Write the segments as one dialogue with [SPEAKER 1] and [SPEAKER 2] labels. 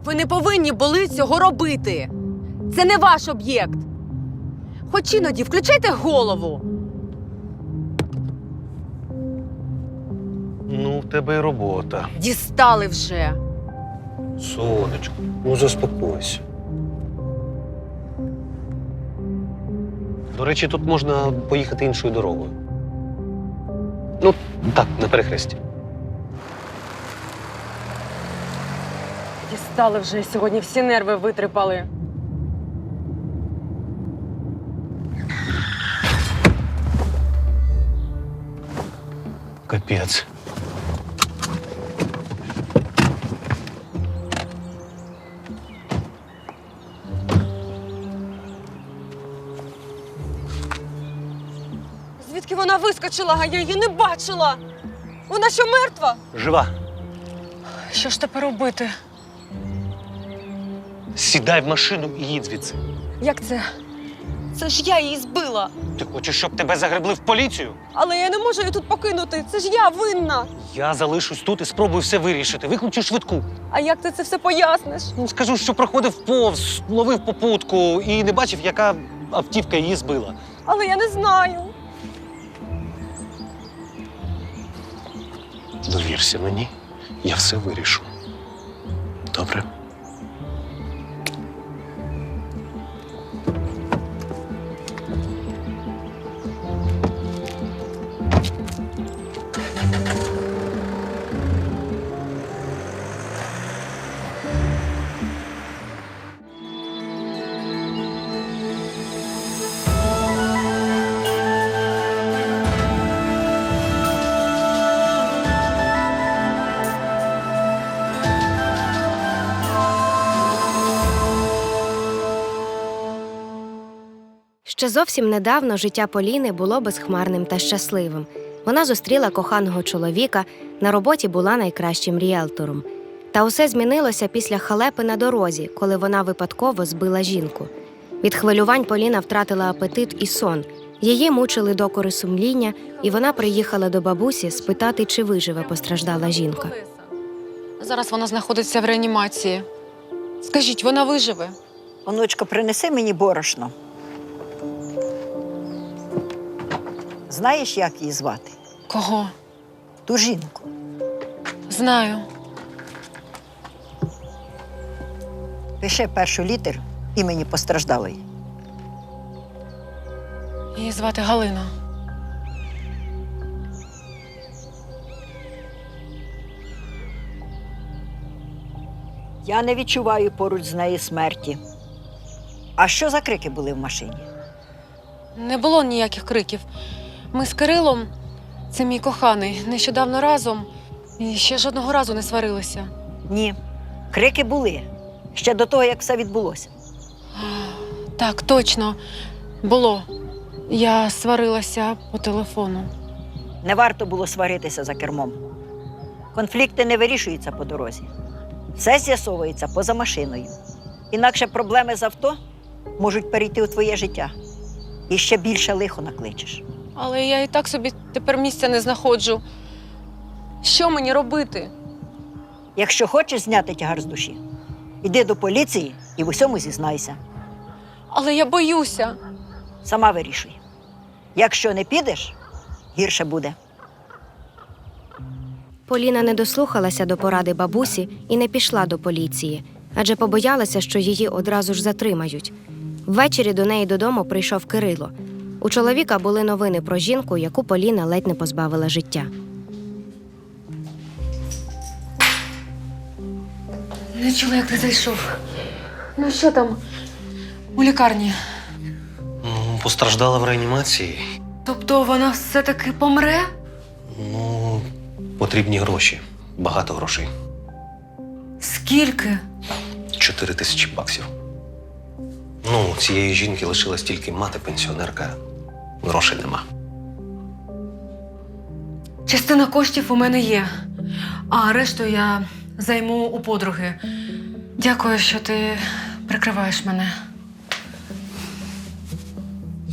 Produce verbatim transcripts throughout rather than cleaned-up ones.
[SPEAKER 1] Ви не повинні були цього робити. Це не ваш об'єкт. Хоч іноді включайте голову.
[SPEAKER 2] Ну, в тебе й робота.
[SPEAKER 1] Дістали вже.
[SPEAKER 2] Сонечко, ну заспокойся. До речі, тут можна поїхати іншою дорогою. Ну, так, на перехресті.
[SPEAKER 1] Дістали вже. Сьогодні всі нерви витрипали.
[SPEAKER 2] Капець.
[SPEAKER 1] Звідки вона вискочила, а я її не бачила? Вона що, мертва?
[SPEAKER 2] Жива.
[SPEAKER 1] Що ж тепер робити?
[SPEAKER 2] Сідай в машину і їдь звідси.
[SPEAKER 1] Як це? Це ж я її збила.
[SPEAKER 2] Ти хочеш, щоб тебе загребли в поліцію?
[SPEAKER 1] Але я не можу її тут покинути. Це ж я винна.
[SPEAKER 2] Я залишусь тут і спробую все вирішити. Викличу швидку.
[SPEAKER 1] А як ти це все поясниш?
[SPEAKER 2] Ну, скажу, що проходив повз, ловив попутку і не бачив, яка автівка її збила.
[SPEAKER 1] Але я не знаю.
[SPEAKER 2] Довірся мені, я все вирішу. Добре?
[SPEAKER 3] Ще зовсім недавно життя Поліни було безхмарним та щасливим. Вона зустріла коханого чоловіка, на роботі була найкращим ріелтором. Та усе змінилося після халепи на дорозі, коли вона випадково збила жінку. Від хвилювань Поліна втратила апетит і сон. Її мучили докори сумління, і вона приїхала до бабусі спитати, чи виживе постраждала жінка.
[SPEAKER 1] Зараз вона знаходиться в реанімації. Скажіть, вона виживе?
[SPEAKER 4] Онучко, принеси мені борошно. Знаєш, як її звати?
[SPEAKER 1] Кого?
[SPEAKER 4] Ту жінку.
[SPEAKER 1] Знаю.
[SPEAKER 4] Пиши першу літеру імені постраждалої.
[SPEAKER 1] Її звати Галина.
[SPEAKER 4] Я не відчуваю поруч з нею смерті. А що за крики були в машині?
[SPEAKER 1] Не було ніяких криків. Ми з Кирилом, це мій коханий, нещодавно разом і ще жодного разу не сварилися.
[SPEAKER 4] Ні, крики були. Ще до того, як все відбулося.
[SPEAKER 1] Так, точно, було. Я сварилася по телефону.
[SPEAKER 4] Не варто було сваритися за кермом. Конфлікти не вирішуються по дорозі. Все з'ясовується поза машиною. Інакше проблеми з авто можуть перейти у твоє життя. І ще більше лихо накличеш.
[SPEAKER 1] Але я і так собі тепер місця не знаходжу. Що мені робити?
[SPEAKER 4] Якщо хочеш зняти тягар з душі, іди до поліції і в усьому зізнайся.
[SPEAKER 1] Але я боюся.
[SPEAKER 4] Сама вирішуй. Якщо не підеш, гірше буде.
[SPEAKER 3] Поліна не дослухалася до поради бабусі і не пішла до поліції, адже побоялася, що її одразу ж затримають. Ввечері до неї додому прийшов Кирило. У чоловіка були новини про жінку, яку Поліна ледь не позбавила життя.
[SPEAKER 1] Не чула, як ти зайшов. Ну що там у лікарні?
[SPEAKER 2] Ну, постраждала в реанімації.
[SPEAKER 1] Тобто вона все-таки помре?
[SPEAKER 2] Ну, потрібні гроші. Багато грошей.
[SPEAKER 1] Скільки?
[SPEAKER 2] Чотири тисячі баксів. Ну, у цієї жінки лишилась тільки мати, пенсіонерка. Грошей нема.
[SPEAKER 1] Частина коштів у мене є, а решту я займу у подруги. Дякую, що ти прикриваєш мене.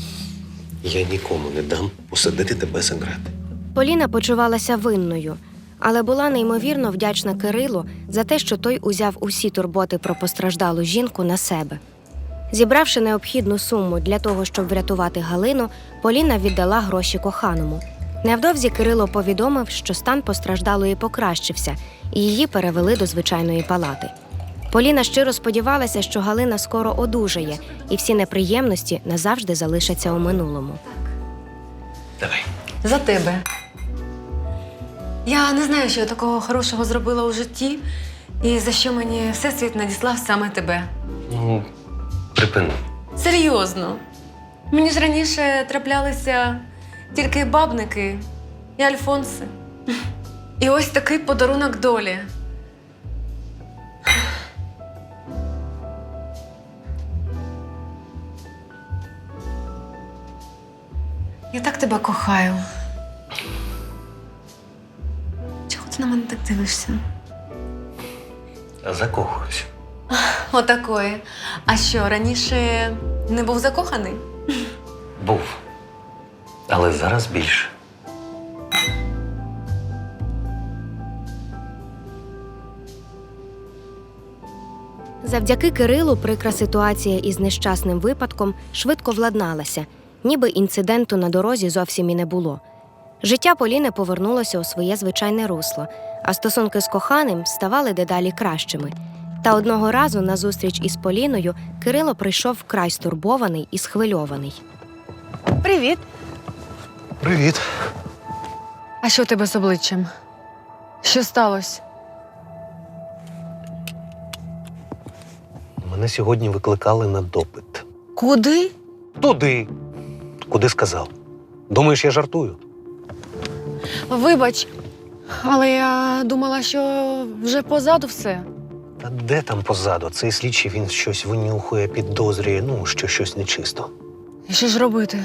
[SPEAKER 2] Я нікому не дам посадити тебе за грати.
[SPEAKER 3] Поліна почувалася винною. але була неймовірно вдячна Кирилу за те, що той узяв усі турботи про постраждалу жінку на себе. Зібравши необхідну суму для того, щоб врятувати Галину, Поліна віддала гроші коханому. Невдовзі Кирило повідомив, що стан постраждалої покращився, і її перевели до звичайної палати. Поліна щиро сподівалася, що Галина скоро одужає, і всі неприємності назавжди залишаться у минулому.
[SPEAKER 2] Давай.
[SPEAKER 1] За тебе. Я не знаю, що я такого хорошого зробила у житті, і за що мені всесвіт надіслав саме тебе.
[SPEAKER 2] Ну, припини.
[SPEAKER 1] Серйозно. Мені ж раніше траплялися тільки бабники і альфонси. І ось такий подарунок долі. Я так тебе кохаю. Чого ти на мене так дивишся?
[SPEAKER 2] Закохуюсь.
[SPEAKER 1] Отакої. А що, раніше не був закоханий?
[SPEAKER 2] Був. Але зараз більше.
[SPEAKER 3] Завдяки Кирилу прикра ситуація із нещасним випадком швидко владналася, ніби інциденту на дорозі зовсім і не було. Життя Поліни повернулося у своє звичайне русло, а стосунки з коханим ставали дедалі кращими. Та одного разу на зустріч із Поліною Кирило прийшов вкрай стурбований і схвильований.
[SPEAKER 1] Привіт.
[SPEAKER 2] Привіт.
[SPEAKER 1] А що у тебе з обличчям? Що сталося?
[SPEAKER 2] Мене сьогодні викликали на допит.
[SPEAKER 1] Куди?
[SPEAKER 2] Туди. Куди сказав? Думаєш, я жартую?
[SPEAKER 1] Вибач, але я думала, що вже позаду все.
[SPEAKER 2] Та де там позаду? Цей слідчий, він щось винюхує, підозрює, ну, що щось нечисто.
[SPEAKER 1] І що ж робити?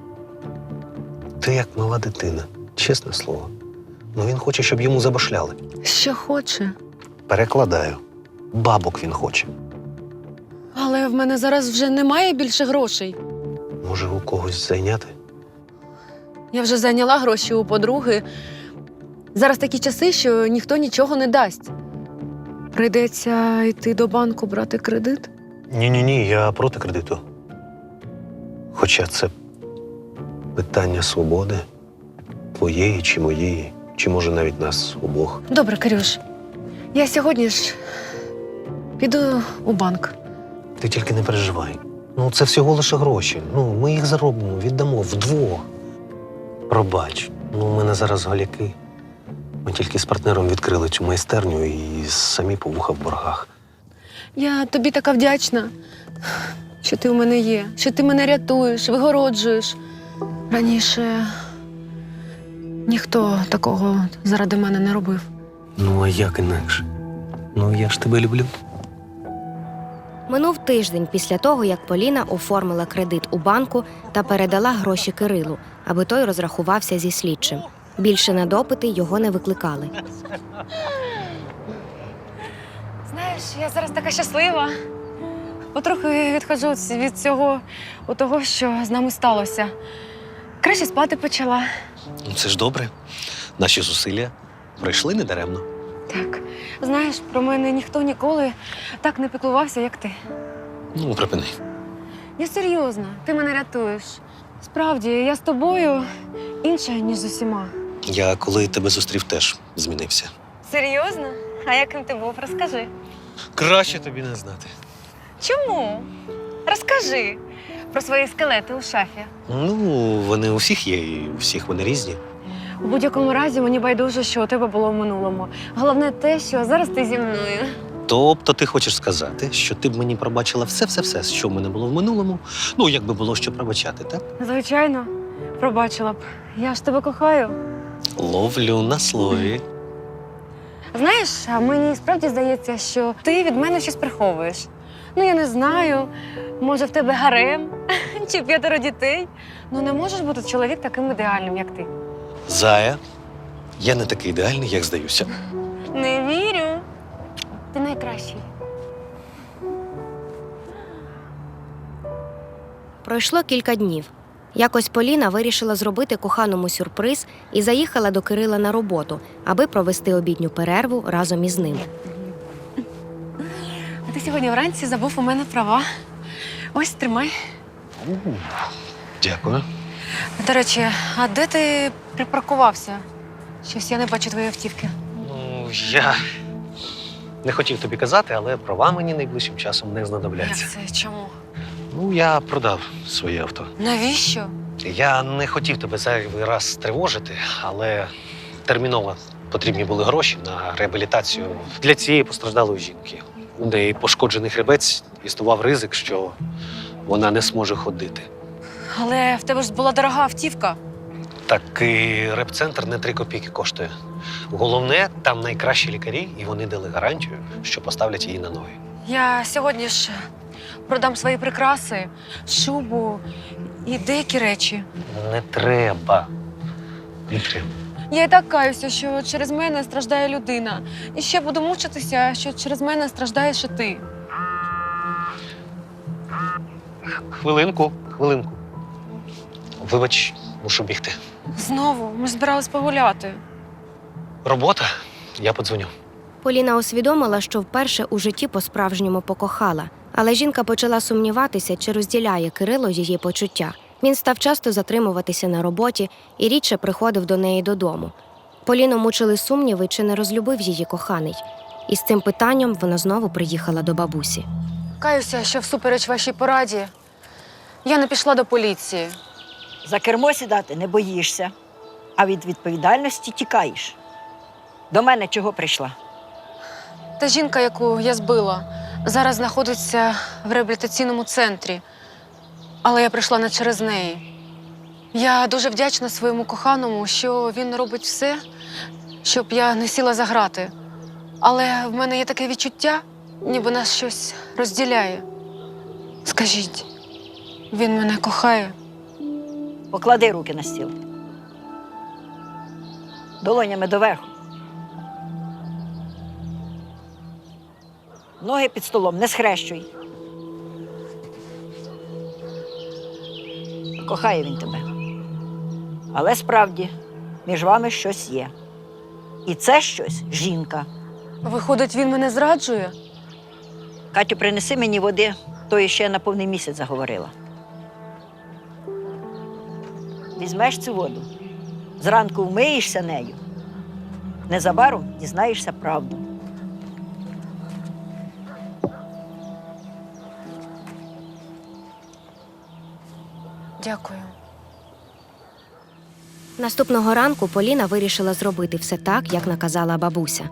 [SPEAKER 2] Ти як мала дитина, чесне слово. Ну він хоче, щоб йому забашляли.
[SPEAKER 1] Що хоче.
[SPEAKER 2] Перекладаю. Бабок він хоче.
[SPEAKER 1] Але в мене зараз вже немає більше грошей.
[SPEAKER 2] Може, у когось зайняти?
[SPEAKER 1] Я вже зайняла гроші у подруги. Зараз такі часи, що ніхто нічого не дасть. Прийдеться йти до банку брати кредит.
[SPEAKER 2] Ні-ні-ні, я проти кредиту. Хоча це питання свободи. Твоєї чи моєї, чи може навіть нас обох.
[SPEAKER 1] Добре, Кирюш. Я сьогодні ж піду у банк.
[SPEAKER 2] Ти тільки не переживай. Ну, це всього лише гроші. Ну, ми їх заробимо, віддамо вдвох. Пробач, ну, у мене зараз голяки. Ми тільки з партнером відкрили цю майстерню і самі по вуха в боргах.
[SPEAKER 1] Я тобі така вдячна, що ти у мене є, що ти мене рятуєш, вигороджуєш. Раніше ніхто такого заради мене не робив.
[SPEAKER 2] Ну, а як інакше? Ну, я ж тебе люблю.
[SPEAKER 3] Минув тиждень після того, як Поліна оформила кредит у банку та передала гроші Кирилу, аби той розрахувався зі слідчим. Більше на допити його не викликали.
[SPEAKER 1] Знаєш, я зараз така щаслива. Потрохи відходжу від цього, у того, що з нами сталося. Краще спати почала.
[SPEAKER 2] Ну, це ж добре. Наші зусилля пройшли недаремно.
[SPEAKER 1] Так, знаєш, про мене ніхто ніколи так не піклувався, як ти.
[SPEAKER 2] Ну, припини.
[SPEAKER 1] Я серйозно, ти мене рятуєш. Справді, я з тобою інша, ніж з усіма.
[SPEAKER 2] Я, коли тебе зустрів, теж змінився.
[SPEAKER 1] Серйозно? А яким ти був? Розкажи.
[SPEAKER 2] Краще тобі не знати.
[SPEAKER 1] Чому? Розкажи про свої скелети у шафі.
[SPEAKER 2] Ну, вони у всіх є, і у всіх вони різні.
[SPEAKER 1] У будь-якому разі мені байдуже, що у тебе було в минулому. Головне те, що зараз ти зі мною.
[SPEAKER 2] Тобто ти хочеш сказати, що ти б мені пробачила все-все-все, що в мене було в минулому, ну, якби було що пробачати, так?
[SPEAKER 1] Звичайно, пробачила б. Я ж тебе кохаю.
[SPEAKER 2] Ловлю на слові.
[SPEAKER 1] Знаєш, а мені справді здається, що ти від мене щось приховуєш. Ну, я не знаю, може, в тебе гарем чи п'ятеро дітей. Ну, не можеш бути чоловік таким ідеальним, як ти.
[SPEAKER 2] Зая, я не такий ідеальний, як здаюся.
[SPEAKER 1] Не вірю. Ти найкращий.
[SPEAKER 3] Пройшло кілька днів. Якось Поліна вирішила зробити коханому сюрприз і заїхала до Кирила на роботу, аби провести обідню перерву разом із ним.
[SPEAKER 1] А ти сьогодні вранці забув у мене права. Ось, тримай.
[SPEAKER 2] Дякую.
[SPEAKER 1] До речі, а де ти припаркувався? Щось я не бачу твоєї автівки.
[SPEAKER 2] Ну, я не хотів тобі казати, але права мені найближчим часом не знадобляться.
[SPEAKER 1] Як це? Чому?
[SPEAKER 2] Ну, я продав своє авто.
[SPEAKER 1] Навіщо?
[SPEAKER 2] Я не хотів тебе зайвий раз тривожити, але терміново потрібні були гроші на реабілітацію для цієї постраждалої жінки. У неї пошкоджений хребець, існував ризик, що вона не зможе ходити.
[SPEAKER 1] Але в тебе ж була дорога автівка.
[SPEAKER 2] Так і реп-центр не три копійки коштує. Головне, там найкращі лікарі, і вони дали гарантію, що поставлять її на ноги.
[SPEAKER 1] Я сьогодні ж продам свої прикраси, шубу і деякі речі.
[SPEAKER 2] Не треба. Не треба.
[SPEAKER 1] Я і так каюся, що через мене страждає людина. І ще буду мучитися, що через мене страждаєш і ти.
[SPEAKER 2] Хвилинку, хвилинку. Вибач, мушу бігти.
[SPEAKER 1] Знову, ми ж збирались погуляти.
[SPEAKER 2] Робота, я подзвоню.
[SPEAKER 3] Поліна усвідомила, що вперше у житті по-справжньому покохала. Але жінка почала сумніватися, чи розділяє Кирило її почуття. Він став часто затримуватися на роботі і рідше приходив до неї додому. Поліну мучили сумніви, чи не розлюбив її коханий. І з цим питанням вона знову приїхала до бабусі.
[SPEAKER 1] Каюся, що всупереч вашій пораді я не пішла до поліції.
[SPEAKER 4] За кермо сідати не боїшся, а від відповідальності тікаєш. До мене чого прийшла?
[SPEAKER 1] Та жінка, яку я збила, зараз знаходиться в реабілітаційному центрі. Але я прийшла не через неї. Я дуже вдячна своєму коханому, що він робить все, щоб я не сіла за грати. Але в мене є таке відчуття, ніби нас щось розділяє. Скажіть, він мене кохає?
[SPEAKER 4] Поклади руки на стіл. Долонями доверху. Ноги під столом не схрещуй. Кохає він тебе. Але справді, між вами щось є. І це щось жінка.
[SPEAKER 1] Виходить, він мене зраджує?
[SPEAKER 4] Катю, принеси мені води, тої ще на повний місяць заговорила. Візьмеш цю воду, зранку вмиєшся нею, незабаром дізнаєшся правду.
[SPEAKER 1] Дякую.
[SPEAKER 3] Наступного ранку Поліна вирішила зробити все так, як наказала бабуся.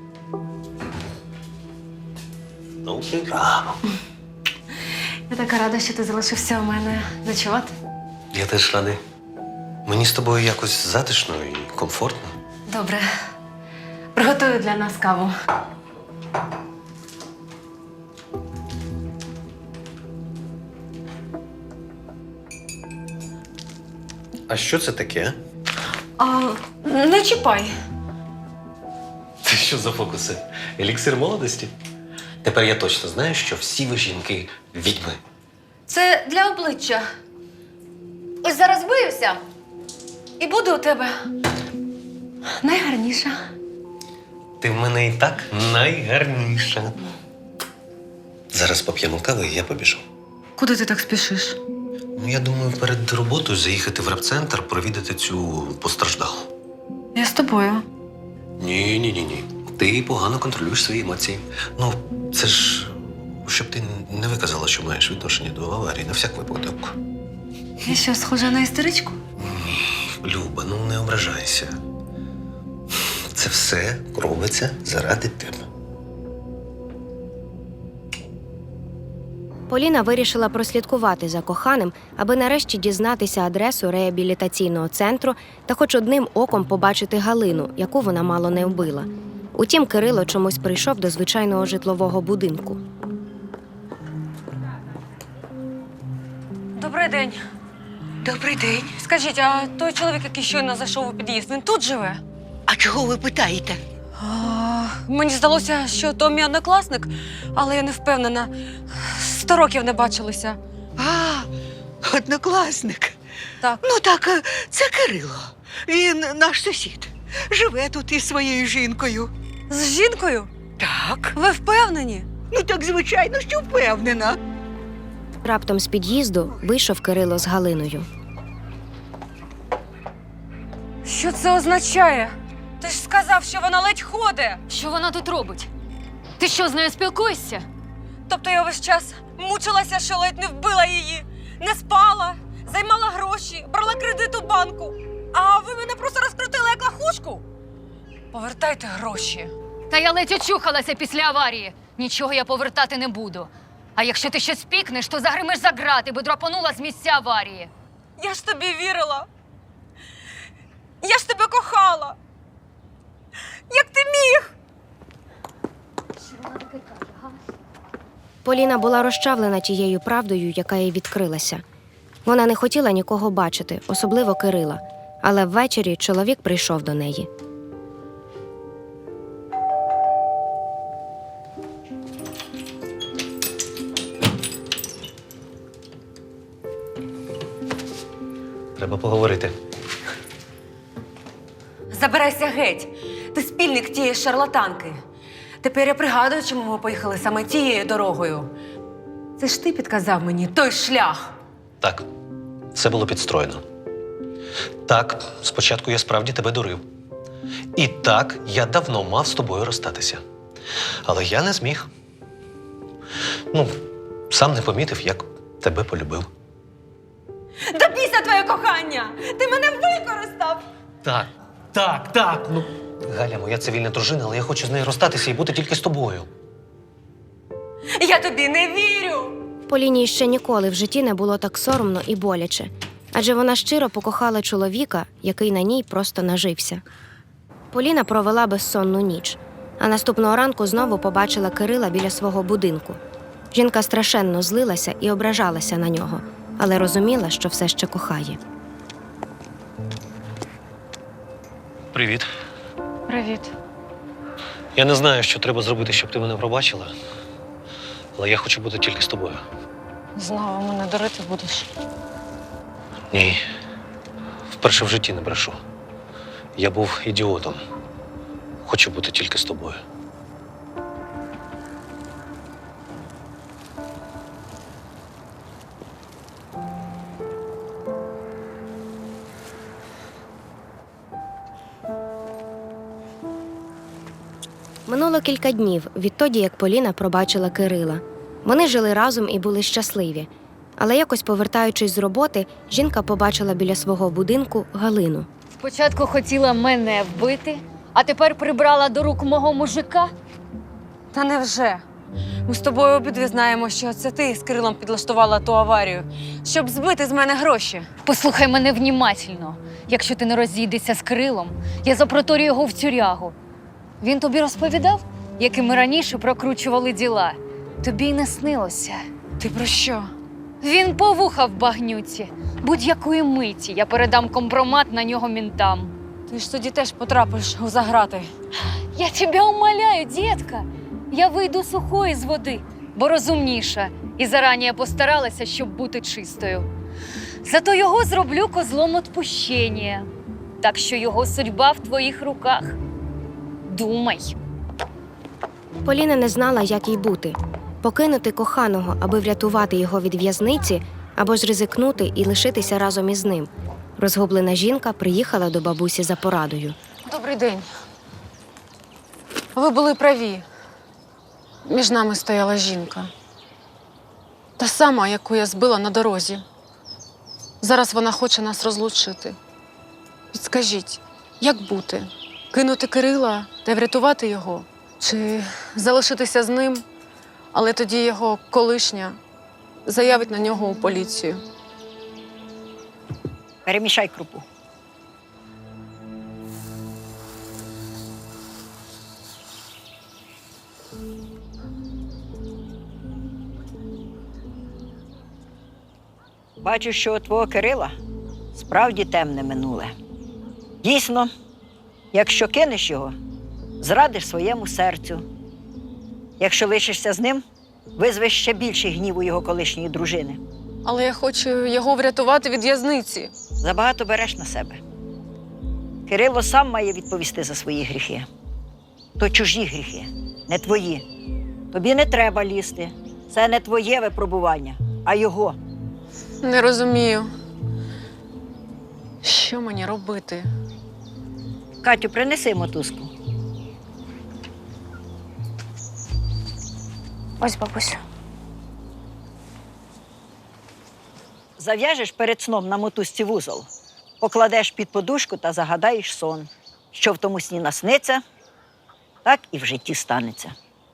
[SPEAKER 2] Ну, браво.
[SPEAKER 1] Я така рада, що ти залишився у мене ночувати.
[SPEAKER 2] Я теж радий. Мені з тобою якось затишно і комфортно.
[SPEAKER 1] Добре. Приготую для нас каву.
[SPEAKER 2] А що це таке?
[SPEAKER 1] А, не чіпай.
[SPEAKER 2] Це що за фокуси? Еліксир молодості? Тепер я точно знаю, що всі ви жінки відьми.
[SPEAKER 1] Це для обличчя. Ось зараз виюся і буду у тебе найгарніша.
[SPEAKER 2] Ти в мене і так найгарніша. Зараз поп'ємо кави, і я побіжу.
[SPEAKER 1] Куди ти так спішиш?
[SPEAKER 2] Ну, я думаю, перед роботою заїхати в реп-центр, провідати цю постраждалу.
[SPEAKER 1] Я з тобою.
[SPEAKER 2] Ні, ні, ні, ні. Ти погано контролюєш свої емоції. Ну, це ж щоб ти не виказала, що маєш відношення до аварії на всяк випадок.
[SPEAKER 1] Я що, схожа на істеричку?
[SPEAKER 2] Люба, ну не ображайся. Це все робиться заради тебе.
[SPEAKER 3] Поліна вирішила прослідкувати за коханим, аби нарешті дізнатися адресу реабілітаційного центру та хоч одним оком побачити Галину, яку вона мало не вбила. Утім, Кирило чомусь прийшов до звичайного житлового будинку.
[SPEAKER 1] Добрий день.
[SPEAKER 5] Добрий день.
[SPEAKER 1] Скажіть, а той чоловік, який щойно зайшов у під'їзд, він тут живе?
[SPEAKER 5] А чого ви питаєте?
[SPEAKER 1] А, мені здалося, що то мій однокласник, але я не впевнена. Сто років не бачилися.
[SPEAKER 5] А, однокласник.
[SPEAKER 1] Так.
[SPEAKER 5] Ну так, е, це Кирило. Він наш сусід. Живе тут із своєю жінкою.
[SPEAKER 1] З жінкою?
[SPEAKER 5] Так.
[SPEAKER 1] Ви впевнені?
[SPEAKER 5] Ну так, звичайно, що впевнена.
[SPEAKER 3] Раптом з під'їзду вийшов Кирило з Галиною.
[SPEAKER 1] Що це означає? Ти ж сказав, що вона ледь ходить.
[SPEAKER 6] Що вона тут робить? Ти що, з нею спілкуєшся?
[SPEAKER 1] Тобто я весь час мучилася, що ледь не вбила її, не спала, займала гроші, брала кредит у банку. А ви мене просто розкрутили як лахушку. Повертайте гроші.
[SPEAKER 6] Та я ледь очухалася після аварії. Нічого я повертати не буду. А якщо ти щось пікнеш, то загримиш за грати, бо драпанула з місця аварії.
[SPEAKER 1] Я ж тобі вірила. Я ж тебе кохала. Як ти міг?
[SPEAKER 3] Поліна була розчавлена тією правдою, яка їй відкрилася. Вона не хотіла нікого бачити, особливо Кирила. Але ввечері чоловік прийшов до неї.
[SPEAKER 2] Треба поговорити.
[SPEAKER 1] Забирайся геть. Ти спільник тієї шарлатанки. Тепер я пригадую, чому ми поїхали саме тією дорогою. Це ж ти підказав мені той шлях.
[SPEAKER 2] Так, все було підстроєно. Так, спочатку я справді тебе дурив. І так, я давно мав з тобою розстатися. Але я не зміг. Ну, сам не помітив, як тебе полюбив.
[SPEAKER 1] Да бійся твоє кохання! Ти мене використав!
[SPEAKER 2] Так, так, так. Ну, Галя, моя цивільна дружина, але я хочу з нею розстатися і бути тільки з тобою.
[SPEAKER 1] Я тобі не вірю!
[SPEAKER 3] Поліні ще ніколи в житті не було так соромно і боляче. Адже вона щиро покохала чоловіка, який на ній просто нажився. Поліна провела безсонну ніч, а наступного ранку знову побачила Кирила біля свого будинку. Жінка страшенно злилася і ображалася на нього, але розуміла, що все ще кохає.
[SPEAKER 2] Привіт.
[SPEAKER 1] Привіт.
[SPEAKER 2] Я не знаю, що треба зробити, щоб ти мене пробачила. Але я хочу бути тільки з тобою.
[SPEAKER 1] Знову мене дурити будеш.
[SPEAKER 2] Ні. Вперше в житті не брешу. Я був ідіотом. Хочу бути тільки з тобою.
[SPEAKER 3] Минуло кілька днів відтоді, як Поліна пробачила Кирила. Вони жили разом і були щасливі. Але якось повертаючись з роботи, жінка побачила біля свого будинку Галину.
[SPEAKER 6] Спочатку хотіла мене вбити, а тепер прибрала до рук мого мужика.
[SPEAKER 1] Та невже? Ми з тобою обидві знаємо, що це ти з Кирилом підлаштувала ту аварію, щоб збити з мене гроші.
[SPEAKER 6] Послухай мене внімательно. Якщо ти не розійдешся з Кирилом, я запроторю його в тюрягу. Він тобі розповідав, якими ми раніше прокручували діла? Тобі й не снилося.
[SPEAKER 1] Ти про що?
[SPEAKER 6] Він по вуха в багнюці. Будь-якої миті я передам компромат на нього мінтам.
[SPEAKER 1] Ти ж тоді теж потрапиш у заграти.
[SPEAKER 6] Я тебе умоляю, дітка. Я вийду сухою з води, бо розумніша. І зарані я постаралася, щоб бути чистою. Зато його зроблю козлом отпущення. Так що його судьба в твоїх руках. Думай.
[SPEAKER 3] Поліна не знала, як їй бути – покинути коханого, аби врятувати його від в'язниці, або ж ризикнути і лишитися разом із ним. Розгублена жінка приїхала до бабусі за порадою.
[SPEAKER 1] Добрий день. Ви були праві. Між нами стояла жінка. Та сама, яку я збила на дорозі. Зараз вона хоче нас розлучити. Підскажіть, як бути? Кинути Кирила та врятувати його? Чи залишитися з ним, але тоді його колишня заявить на нього у поліцію?
[SPEAKER 4] Перемішай крупу. Бачу, що у твого Кирила справді темне минуле. Дійсно, якщо кинеш його, зрадиш своєму серцю. Якщо лишишся з ним, визвеш ще більший гнів у його колишньої дружини.
[SPEAKER 1] Але я хочу його врятувати від в'язниці.
[SPEAKER 4] Забагато береш на себе. Кирило сам має відповісти за свої гріхи. То чужі гріхи, не твої. Тобі не треба лізти. Це не твоє випробування, а його.
[SPEAKER 1] Не розумію. Що мені робити?
[SPEAKER 4] Катю, принеси мотузку.
[SPEAKER 1] Ось, бабусю.
[SPEAKER 4] Зав'яжеш перед сном на мотузці вузол, покладеш під подушку та загадаєш сон. Що в тому сні насниться, так і в житті станеться.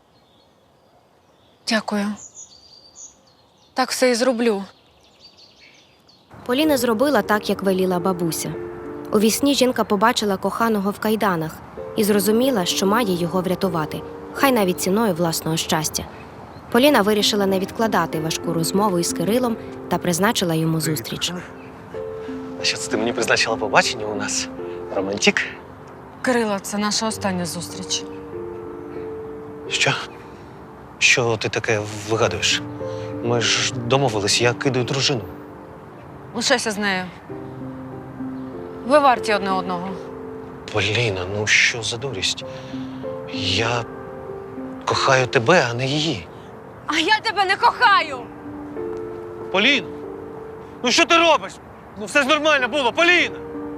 [SPEAKER 1] Дякую. Так все і зроблю.
[SPEAKER 3] Поліна зробила так, як веліла бабуся. У вісні жінка побачила коханого в кайданах і зрозуміла, що має його врятувати, хай навіть ціною власного щастя. Поліна вирішила не відкладати важку розмову із Кирилом та призначила йому зустріч.
[SPEAKER 2] А що це ти мені призначила побачення у нас? Романтик?
[SPEAKER 1] Кирило, це наша остання зустріч.
[SPEAKER 2] Що? Що ти таке вигадуєш? Ми ж домовились, я кидаю дружину.
[SPEAKER 1] Лишайся з нею. Ви варті одне одного.
[SPEAKER 2] Поліна, ну що за дурість? Я кохаю тебе, а не її.
[SPEAKER 1] А я тебе не кохаю!
[SPEAKER 2] Поліна! Ну що ти робиш? Ну все ж нормально було, Поліна!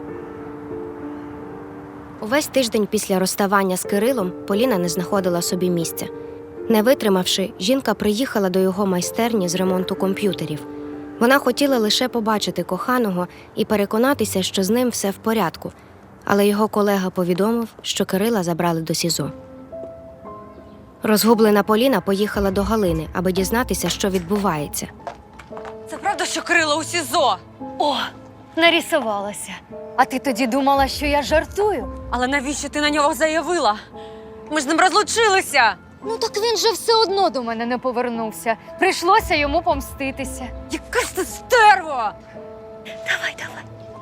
[SPEAKER 3] Увесь тиждень після розставання з Кирилом Поліна не знаходила собі місця. Не витримавши, жінка приїхала до його майстерні з ремонту комп'ютерів. Вона хотіла лише побачити коханого і переконатися, що з ним все в порядку. Але його колега повідомив, що Кирила забрали до СІЗО. Розгублена Поліна поїхала до Галини, аби дізнатися, що відбувається.
[SPEAKER 1] Це правда, що Кирило у СІЗО?
[SPEAKER 6] О, нарисувалася. А ти тоді думала, що я жартую?
[SPEAKER 1] Але навіщо ти на нього заявила? Ми ж з ним розлучилися!
[SPEAKER 6] Ну так він же все одно до мене не повернувся. Прийшлося йому помститися.
[SPEAKER 1] Яка ж ти стерва!
[SPEAKER 6] Давай, давай.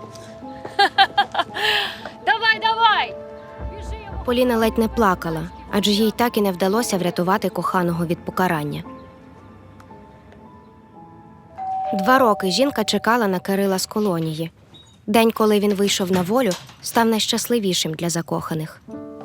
[SPEAKER 6] Давай, давай! Біжи йому.
[SPEAKER 3] Поліна ледь не плакала, адже їй так і не вдалося врятувати коханого від покарання. Два роки жінка чекала на Кирила з колонії. День, коли він вийшов на волю, став найщасливішим для закоханих.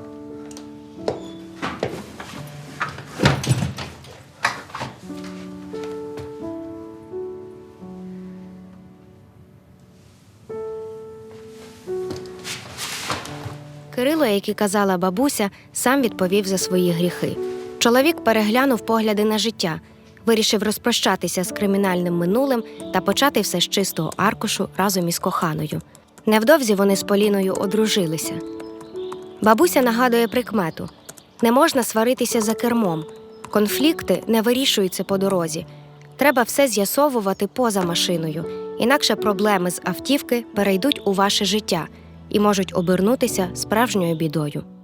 [SPEAKER 3] Кирило, як і казала бабуся, сам відповів за свої гріхи. Чоловік переглянув погляди на життя, вирішив розпрощатися з кримінальним минулим та почати все з чистого аркушу разом із коханою. Невдовзі вони з Поліною одружилися. Бабуся нагадує прикмету: не можна сваритися за кермом, конфлікти не вирішуються по дорозі. Треба все з'ясовувати поза машиною, інакше проблеми з автівки перейдуть у ваше життя і можуть обернутися справжньою бідою.